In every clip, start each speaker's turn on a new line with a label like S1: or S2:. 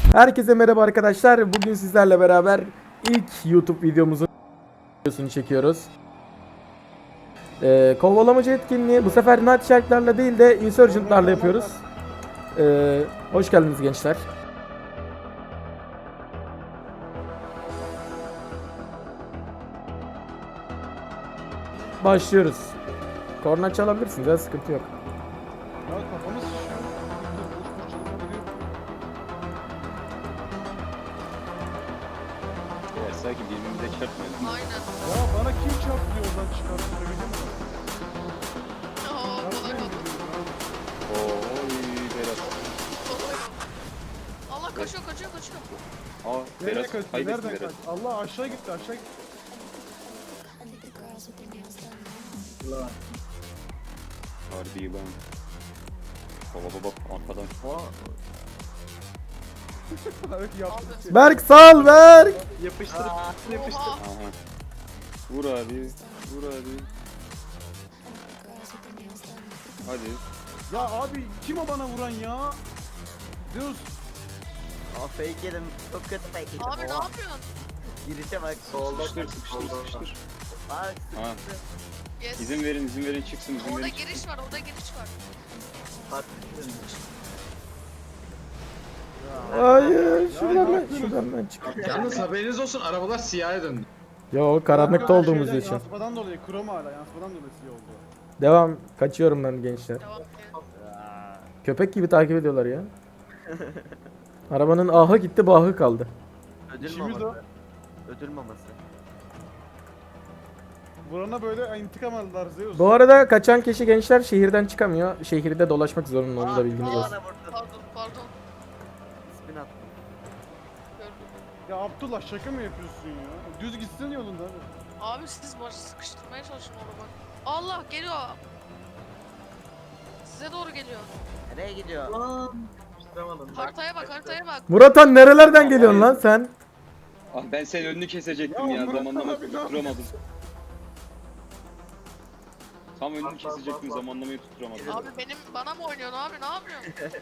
S1: Herkese merhaba arkadaşlar. Bugün sizlerle beraber ilk YouTube videomuzun videosunu çekiyoruz. Kovalamacı etkinliği bu sefer Night Shark'larla değil de Insurgent'larla yapıyoruz. Hoş geldiniz gençler. Başlıyoruz. Korna çalabilirsiniz ya, sıkıntı yok.
S2: Ya kafamız şişiyor. Boş boş çalıp duruyor.
S3: Ya sanki birbirimize çarpmayalım.
S4: Aynen.
S2: Ya bana kim çarptı yoldan çıkarttı biliyor musun?
S4: Oo, kolay
S2: Çarpmayın
S4: oldu.
S2: dedim ya.
S3: Oy Berat.
S4: Kolay. Allah kaçıyor.
S3: Aa
S2: Nereye
S3: Berat
S2: kaçtı?
S3: kaybettin
S2: Nereden
S3: Berat.
S2: kaçtı? Allah aşağı gitti aşağı gitti.
S3: Harbi yılan. Baba arkadan.
S2: Evet yaptı.
S4: Abi.
S1: Berk sal Berk.
S5: Yapıştır.
S4: Oha.
S3: Aha. Vur abi. Vur abi. Hadi.
S2: Ya abi kim o bana vuran ya? Zeus.
S5: Aa fake yedim. Çok kötü fake yedim.
S4: Abi ne yapıyorsun?
S5: Girişe bak.
S3: Sıkıştır sıkıştır.
S5: Bak
S3: Ha.
S4: Yes.
S3: İzin verin çıksın izin
S4: Orada
S3: verin.
S4: giriş var.
S5: bak.
S1: Hayır, şuradan ben çık.
S6: Yalnız haberiniz olsun arabalar siyaha döndü.
S1: Yo, karanlıkta olduğumuz
S2: Şeyden,
S1: için.
S2: Yansımadan dolayı krom hala yansımadan dolayı siyah oldu.
S1: Devam. Kaçıyorum ben gençler.
S4: Devam edelim.
S1: Köpek gibi takip ediyorlar ya. Arabanın ahı gitti, bahı kaldı.
S5: Ödül
S2: İşimiz o.
S5: maması. Ödül maması.
S2: Vurana böyle intikam aldılar Zeus.
S1: Bu arada kaçan kişi gençler şehirden çıkamıyor. Şehirde dolaşmak zorunda, onu da bilginiz olsun.
S5: Bana vurdu.
S4: Pardon.
S5: Spin attım.
S4: Gördüm.
S2: Ya Abdullah şaka mı yapıyorsun ya? Düz gitsin yolunda abi.
S4: Abi siz başı sıkıştırmaya çalışın onu bak. Allah geliyor. Size doğru geliyor.
S5: Nereye gidiyor?
S4: Haritaya bak.
S1: Muratan nerelerden geliyorsun lan sen?
S3: Ah ben senin önünü kesecektim
S2: Ya
S3: ya.
S2: Murat
S3: Zamanlama
S2: abi, ne
S3: tutturamadım. Tam önünü kesecektim zamanlamayı tutturamadım.
S4: Abi bana mı oynuyorsun abi? Ne yapıyorsun?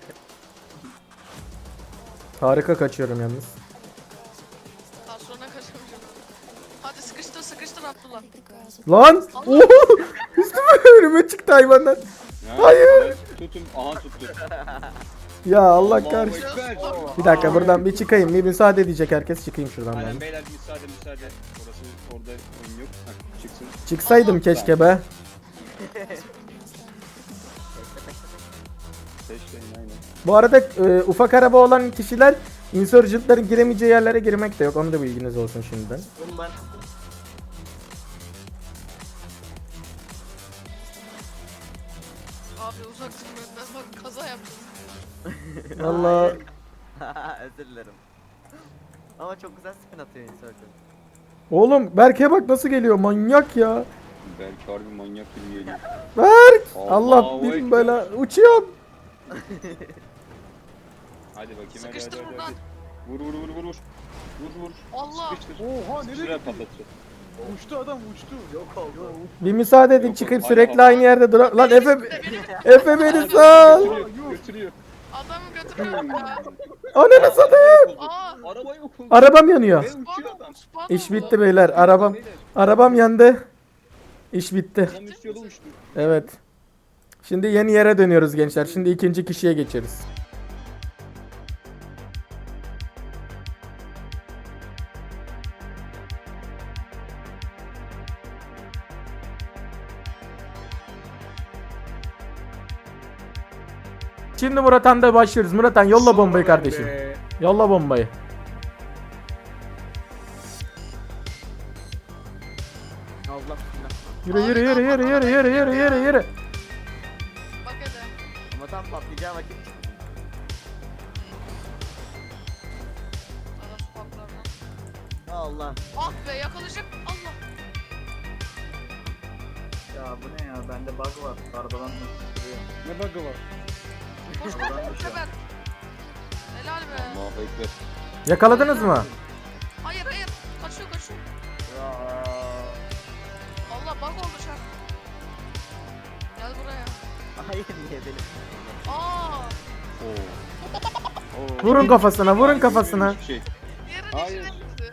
S1: Harika kaçıyorum yalnız.
S4: Daha sonra kaçamayacağım. Hadi sıkıştır Abdullah.
S1: Lan! Oo! Üstüme önüme çıktı hayvanlar.
S3: Ya,
S1: Hayır.
S3: Tutun. Aha tuttu.
S1: Ya Allah
S3: Allahu
S1: kahretsin.
S3: Ekber.
S1: Bir dakika buradan bir çıkayım. Bir müsaade edecek herkes, çıkayım şuradan ben.
S3: Aynen beyler müsaade. Orası orada oyun yok. Heh, çıksın.
S1: Çıksaydım keşke be.
S3: Seçleyin aynen.
S1: Bu arada ufak araba olan kişiler insurgentların giremeyeceği yerlere girmek de yok. Onu da bilginiz olsun şimdiden.
S5: Oğlum ben.
S4: Abi uzak dur benden. Bak kaza yaptın.
S1: Allah.
S5: Özür dilerim. Ama çok güzel spin atıyor Insurgent.
S1: Oğlum Berk'e bak nasıl geliyor, manyak ya.
S3: Belki harbi manyak gibi geliyor.
S1: Berk!
S3: Allahu
S1: Allah bin
S3: Ekber.
S1: bela uçuyorum.
S3: Hadi bakayım
S4: Sıkıştır
S3: hadi.
S4: buradan.
S3: Vur. Vur.
S4: Allah.
S3: Sıkıştır.
S2: Oha nereye
S3: Sıkıştır
S2: gitti?
S3: patlatacak.
S2: Uçtu adam uçtu.
S5: Yok oldu.
S1: Bir müsaade edin,
S3: Yok,
S1: çıkıp
S3: yok,
S1: sürekli
S3: hala-
S1: aynı yerde dur. Lan Efe,
S4: Benim-
S1: Efe beni sal.
S3: Götürüyor.
S4: Adamı götürüyorum ya.
S1: Ananı satayım.
S4: Aa.
S3: Araba yok oldu.
S1: Arabam yanıyor.
S3: Ve uçuyor adam.
S4: Spawn
S1: İş
S4: oldu.
S1: bitti beyler. Arabam yandı. İş bitti.
S3: Adam üst yola uçtu.
S1: Evet. Şimdi yeni yere dönüyoruz gençler. Şimdi ikinci kişiye geçeriz. Şimdi Murat'an'da başlıyoruz. Murat'an yolla bombayı kardeşim. Yolla bombayı.
S5: Allah bismillah.
S1: Yürü.
S4: Bak hele.
S5: Ama tam patlayacağı vakit.
S4: Adam spawnlarına.
S5: Allah.
S4: Ah be yakalayacak. Allah.
S7: Ya bu ne ya? Bende bug var. Arabadan duruyor.
S2: Ne bug'ı var?
S4: Koş Sefer. Helal be.
S3: Allahu Ekber.
S1: Yakaladınız mı?
S4: Hayır. Kaçıyor.
S5: Ya.
S4: Allah bug oldu şarkı. Gel buraya.
S5: Hayır niye benim?
S4: Aa.
S3: Oo. Oo.
S1: Vurun kafasına, vurun kafasına.
S3: Hiçbir şey.
S4: Yerin
S3: Hayır.
S4: içine gitti.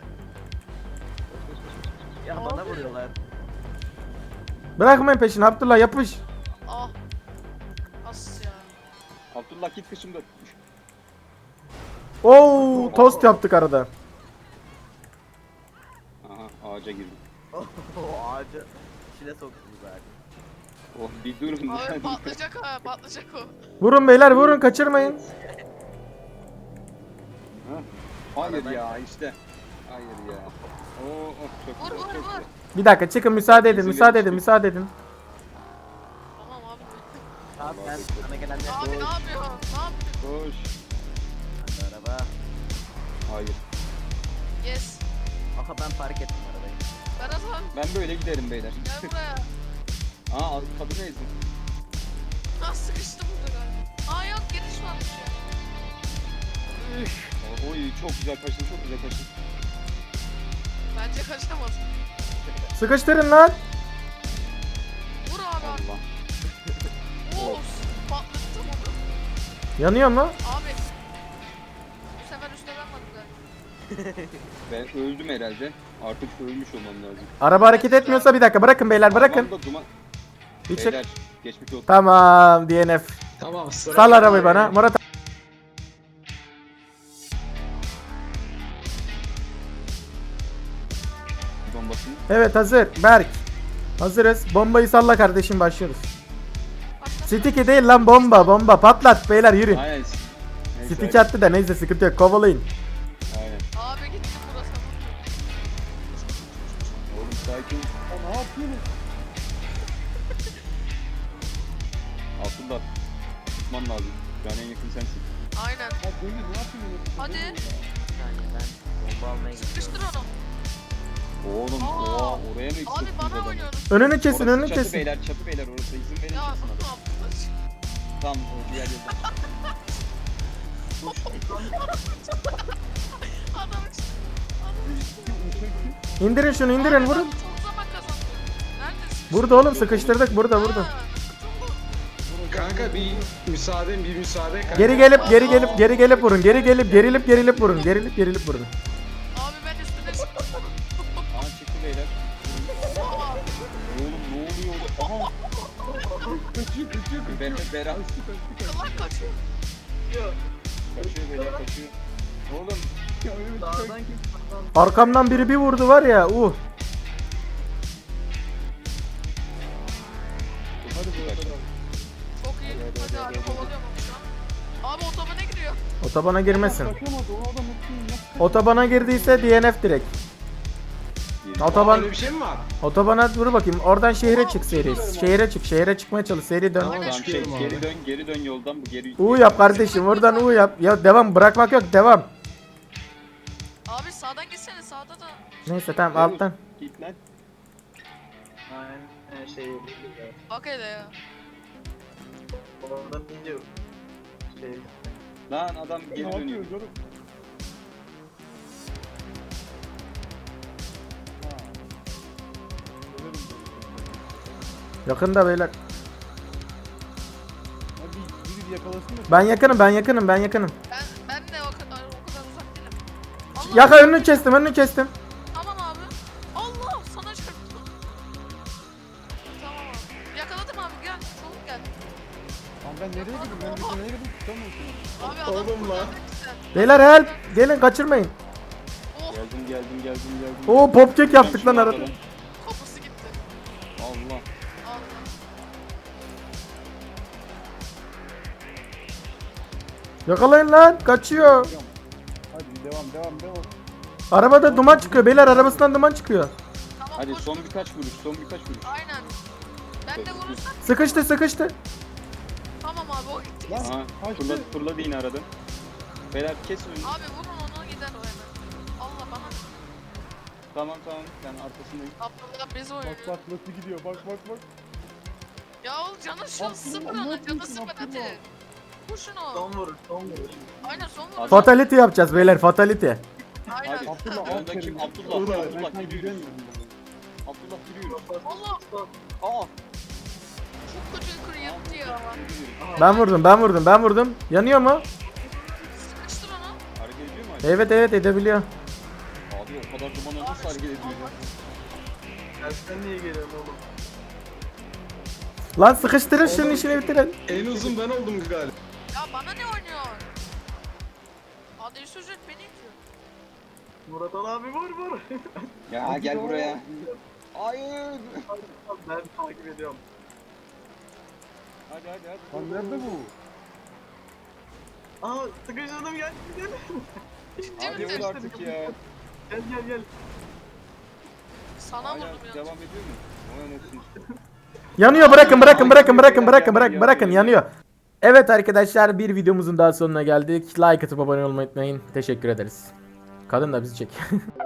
S5: Ya bana vuruyorlar.
S1: Bırakmayın peşini Abdullah, yapış.
S4: Ah. As ya.
S3: Abdullah git kışımda.
S1: Oo, tost yaptık arada.
S3: Aha ağaca girdim.
S5: O ağacı içine soktunuz abi.
S3: Oh bir durun.
S4: Abi patlayacak ha, patlayacak o.
S1: Vurun beyler, vurun, kaçırmayın.
S3: Ha? Hayır ya işte. Hayır ya. Oo oh, çok
S4: Vur
S3: güzel,
S4: vur
S3: çok
S4: vur.
S3: güzel.
S1: Bir dakika çıkın, müsaade edin,
S3: İzin
S1: müsaade
S3: verin,
S1: edin, müsaade edin.
S4: Tamam abi.
S5: Abi ben sana gelenler
S4: Abi ne yapıyorsun? Ne yapıyorsun?
S3: Koş.
S5: Hadi araba.
S3: Hayır.
S4: Yes.
S5: Aha ben fark ettim arabayı.
S4: Berat abi
S3: Ben böyle giderim beyler.
S4: gel buraya.
S3: Aa kadını ezdim.
S4: Nasıl sıkıştım burada galiba. Aa yok giriş varmış ya.
S3: Oy çok güzel kaçtın, çok güzel kaçtın.
S4: Bence kaçamaz.
S1: Sıkıştırın lan.
S4: Vur abi abi.
S3: Allah.
S4: Oo, patlattım onu.
S1: Yanıyor mu?
S4: Abi. Bu sefer üstüne ben.
S3: Ben öldüm herhalde. Artık ölmüş olmam lazım.
S1: Araba hareket etmiyorsa bir dakika, bırakın beyler, bırakın.
S3: Aman da duman.
S1: Bir çık.
S3: Beyler geçmiş olsun.
S1: Tamam, DNF.
S6: Tamam sıra.
S1: Sal arabayı bana. Murat.
S3: Bombasını.
S1: Evet, hazır. Berk. Hazırız. Bombayı salla kardeşim, başlıyoruz. Sticky değil lan, bomba, bomba. Patlat beyler, yürü.
S3: Aynen. Neyse,
S1: Stick attı da neyse, sıkıntı yok, kovalayın.
S3: Aynen.
S4: Abi gitti burası.
S3: Oğlum sakin.
S2: Ya ne yapıyorsun?
S3: Abdullah. Tutman lazım. Şu an en yakın sensin.
S4: Aynen.
S2: Ya Deniz ne yapıyorsun?
S4: Hadi.
S5: Bir saniye ben bomba almaya gidiyorum.
S4: Sıkıştır onu.
S3: Oğlum
S4: Aa,
S3: oha oraya mı
S4: Abi
S3: sıktınız
S4: bana
S3: adamı?
S4: oynuyoruz.
S1: Önünü kesin,
S3: Orası
S1: önünü
S3: çatı
S1: kesin.
S3: beyler, çatı beyler orası izin verir
S4: Ya
S3: misin
S4: ne
S3: adam?
S4: yaptınız?
S3: Tamam o diğer yerden.
S4: Adam işte.
S1: İndirin şunu, indirin,
S4: Abi
S1: vurun.
S4: ben çok zaman kazandım. Neredesin?
S1: Burada oğlum, sıkıştırdık, burada, burada.
S4: Ha, çabuk.
S6: Kanka bir müsaade kanka.
S1: Geri gelip vurun. Gerilip vurun. Gerilip vurun.
S4: Abi ben üstüne çıktım.
S3: Aa çıktı beyler.
S4: Aa,
S3: Oğlum ne oluyor orada? Aha. Ben Berat.
S4: Kılak kaçıyor.
S3: Kaçıyor beyler kaçıyor. Oğlum.
S7: Dağdan kim? Dağdan.
S1: Arkamdan biri bir vurdu var ya.
S3: Hadi bırak.
S4: Çok iyi. Hadi abi kovalıyorum onu şu an. Abi otobana giriyor.
S1: Otobana girmesin.
S2: Kaçamadı o adam nasıl?
S1: Otobana girdiyse DNF direkt. Otoban,
S6: Öyle bir şey mi var?
S1: otobana dur bakayım. Oradan şehre çık seri. Şehre çıkmaya çalış. Seri dön.
S6: Tamam.
S3: Tamam şey
S6: Çıkıyorum abi.
S3: geri dön yoldan bu geri.
S1: U yap kardeşim. Oradan U yap. Ya devam, bırakmak yok, devam.
S4: Abi sağdan gitsene sağda da.
S1: Neyse tamam, alttan.
S3: Git lan.
S7: Aynen şey.
S4: Bak hele ya.
S7: Orada bir şey.
S3: Lan adam
S2: Ne
S3: geri dönüyor.
S2: yapıyor canım? Ha. Severim böyle.
S1: Yakında beyler.
S2: Ya biri yakalasın da.
S1: Ben yakınım.
S4: Ben de o kadar uzak değilim. Allah.
S1: Yaka, önünü kestim.
S4: Tamam abi. Allah sana çarptı. Tamam abi. Yakaladım abi gel. Çabuk gel.
S2: Lan ben nereye gidiyorum? Ben bir nereye gidiyorum? Tutamıyorum.
S4: Abi adam
S6: Oğlum
S4: burada
S6: lan.
S4: işte.
S1: Beyler help. Gelin, kaçırmayın.
S4: Oh
S3: Geldim.
S1: Oo, popkek yaptık lan arada.
S4: kapısı gitti.
S3: Allah.
S4: Allah.
S1: Yakalayın lan. Kaçıyor.
S2: Hadi devam.
S1: Arabada duman çıkıyor. Beyler, arabasından duman çıkıyor.
S4: Tamam
S3: Hadi
S4: koş.
S3: son birkaç vuruş.
S4: Aynen. Ben de vurursam
S1: Sıkıştı.
S4: tamam abi o gitti.
S2: Lan.
S3: Aha
S2: Kaçtı.
S3: fırladı yine aradan. Beyler kes önünü.
S4: Abi vurun onu gider o hemen. Allah bana.
S3: Tamam ben arkasındayım.
S4: Abdullah bizi oynuyor.
S2: Bak nasıl gidiyor. Bak.
S4: Ya oğlum canı şu
S2: Abdullah,
S4: sıfır
S2: ne
S4: ona
S2: yapıyorsun
S4: canı sıfır
S2: Abdullah?
S4: hadi. Vur şunu.
S7: Son vurur.
S4: Aynen son vur.
S1: Fatality yapacağız beyler, fatality.
S4: Aynen.
S3: Hadi.
S2: Abdullah,
S3: Yanında
S2: aferin.
S3: kim?
S2: Ben
S3: Abdullah
S2: sana
S3: yürüyoruz.
S2: güvenmiyorum.
S3: Abdullah yürüyoruz.
S4: Allah
S3: Aa.
S4: çok kötü yukarı yattı ya.
S1: Ben vurdum. Yanıyor mu?
S4: Sıkıştır
S1: Evet evet edebiliyor.
S3: Abi o kadar dumana nasıl hareket ediyor ya?
S7: Tersten niye geliyorsun oğlum?
S1: Lan sıkıştırın şunun işini bitirin.
S6: En uzun ben oldum galiba.
S4: Ya bana ne oynuyor? Hadi sözün beni itiyor.
S7: Murat Ali abi vur.
S3: Ya gel buraya. Hayır.
S7: Ben takip ediyorum.
S3: Hadi.
S2: Lan nerede bu?
S7: Aa sıkıştırdım gel.
S4: Ciddi
S3: Hadi
S4: misin?
S3: vur artık ya.
S7: Gel.
S4: Sana
S3: Hala
S4: vurdum ya.
S3: devam ediyor mu? O anasını.
S1: Yanıyor bırakın yanıyor. Evet arkadaşlar bir videomuzun daha sonuna geldik. Like atıp abone olmayı unutmayın. Teşekkür ederiz. Kadın da bizi çek.